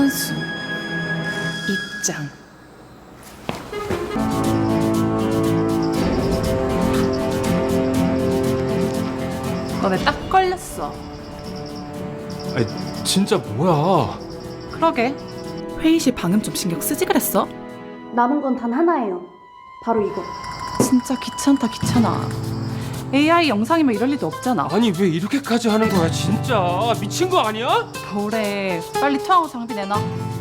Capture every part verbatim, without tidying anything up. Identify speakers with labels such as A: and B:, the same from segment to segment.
A: 선수 입장. 너네 딱 걸렸어.
B: 아니 진짜 뭐야?
A: 그러게. 회의실 방음 좀 신경 쓰지 그랬어?
C: 남은 건 단 하나예요. 바로 이거.
A: 진짜 귀찮다 귀찮아. 에이아이 영상이면 이럴 리도 없잖아.
B: 아니 왜 이렇게까지 하는 거야 진짜 미친 거 아니야?
A: 뭐래. 빨리 투하고 장비 내놔.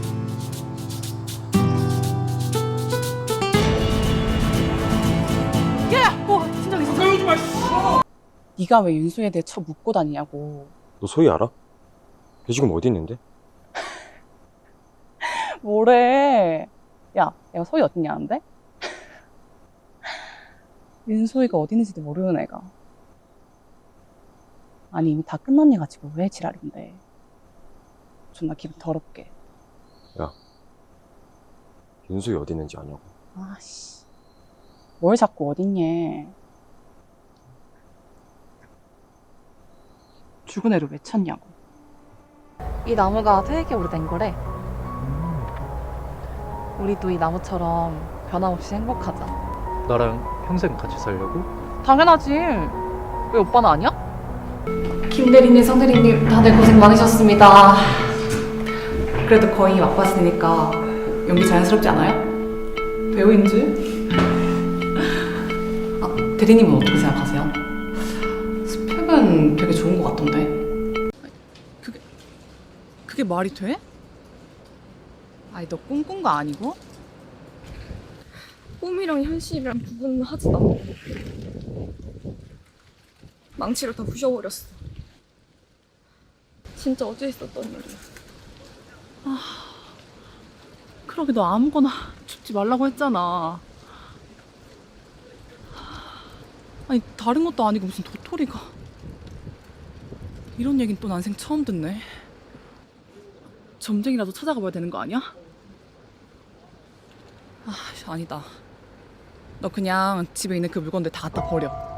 A: 야야! 어, 진정 있어.
B: 가까이 오지 마.
A: 네가 왜 윤수에 대해 쳐 묻고 다니냐고.
D: 너 소희 알아? 걔 지금 어디 있는데?
A: 뭐래. 야, 얘가 소희 어딨냐는데? 윤소희가 어디 있는지도 모르는 애가. 아니 이미 다 끝난 애 가지고 왜 지랄인데. 존나 기분 더럽게.
D: 윤소희 어디 있는지 아냐고.
A: 아씨, 뭘 자꾸 어딨냐. 죽은 애를 왜 찾냐고. 이 나무가 되게 오래된 거래. 우리도 이 나무처럼 변함없이 행복하자.
E: 나랑 평생 같이 살려고?
A: 당연하지. 왜 오빠는 아니야?
F: 김대리님, 성대리님 다들 고생 많으셨습니다. 그래도 거의 막바지니까 연기 자연스럽지 않아요? 배우인 줄? 아, 대리님은 어떻게 생각하세요? 스펙은 되게 좋은 것 같던데.
A: 그게 그게 말이 돼? 아니 너 꿈꾼 거 아니고?
G: 꿈이랑 현실이랑 구분하지 않고 망치로 다 부셔버렸어. 진짜 어제 있었던 일이야.
A: 그러게 너 아무거나 죽지 말라고 했잖아. 아니 다른 것도 아니고 무슨 도토리가. 이런 얘긴 또 난생 처음 듣네. 점쟁이라도 찾아가 봐야 되는 거 아니야? 아 아니다. 너 그냥 집에 있는 그 물건들 다 갖다 버려.